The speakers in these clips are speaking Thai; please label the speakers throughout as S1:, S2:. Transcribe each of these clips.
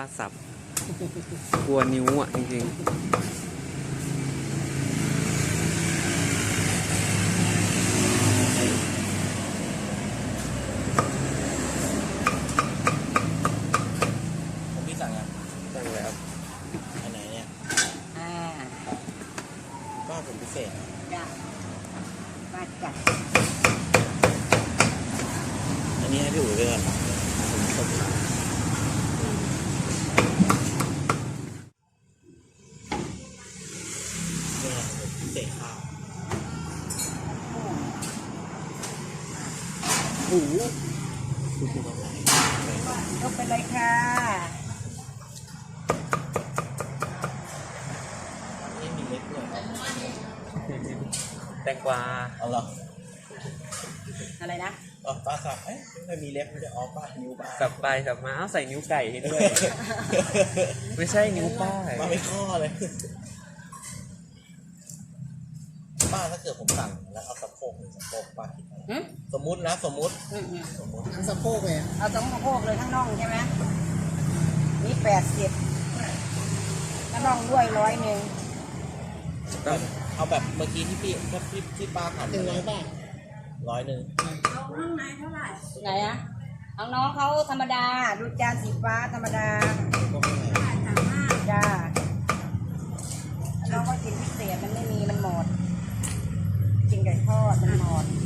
S1: สับกลัวนิ้วอ่ะจริง
S2: ผมพี่สั่งยัง
S1: ๆตั้งแล้ว
S2: อันไหนเนี่ย
S3: อ่า
S2: บ้านผมพิเศษ
S3: จ้ะมาจัด
S2: อันนี้ให้พี่อุ๋ยไปก่อนผมชอบขาเนี่ยผมพิเศษข้าว
S3: หู
S2: คุณดูตรงไหน
S3: ยกไปเลยค่ะ
S2: นี่มีเล็กด้วย
S1: แตงกวา
S2: เอาเหรอ
S3: อะไรนะ
S2: อ๋อป้าสับไม่มีเล็บมันจะอ๋อป้านิ้วป้า
S1: สับไปสับมาเอาใส่นิ้วไก่ให้ด้วย ไม่ใช่นิ้วป้า
S2: ป้าไม่ข้อเลยป้าถ้าเกิดผมสั่งแล้วเอาสะโพกหรือสะโพกป้าคิดเท่าไหร่
S3: หืม
S2: สมมุตินะสมมุติ สมมุติ
S4: ทั้งสะโพกเลยอะ
S3: เอาสองสะโพกเลยทั้งน่องใช่ไหมนี่80ทั้งน่องด้วย100
S2: เอาแบบเมื่อกี้ที่ที่ป้าทำ
S4: 100 บาท
S2: 100
S3: ไหนอะเอาน้องเขาธรรมดา ดูจานสีฟ้าธรรมดา
S2: ก็ไม่แพง
S3: จ้าน้องก็กินพิเศษมันไม่มีมันหมด กินไก่ทอดมันหมด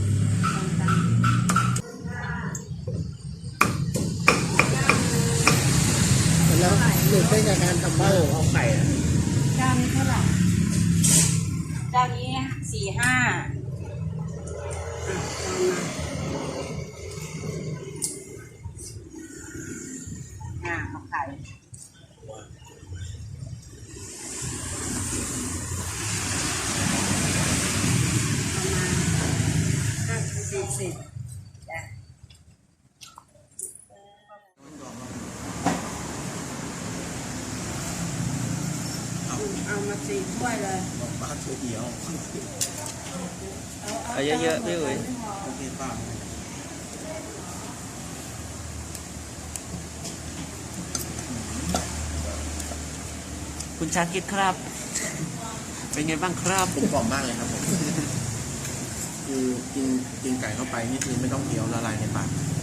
S4: แล้วหลุดได้จากการทำบ้าน
S2: เอาไข่อะ
S3: เจ้านี้เท่าไหร่เจ้านี้45ของไข่40จ้ะเอามา4 ถ้วยเลย
S2: บอกป้าช่วยเดียว
S1: เอาเยอะๆพี่อุ๋ย
S2: โอเคป้า
S1: คุณชาคิดครับ เป็นไงบ้างครับ
S2: ผมกล่อมมากเลยครับผม คือกินไก่เข้าไปนี่คือไม่ต้องเคี้ยวละลายในปาก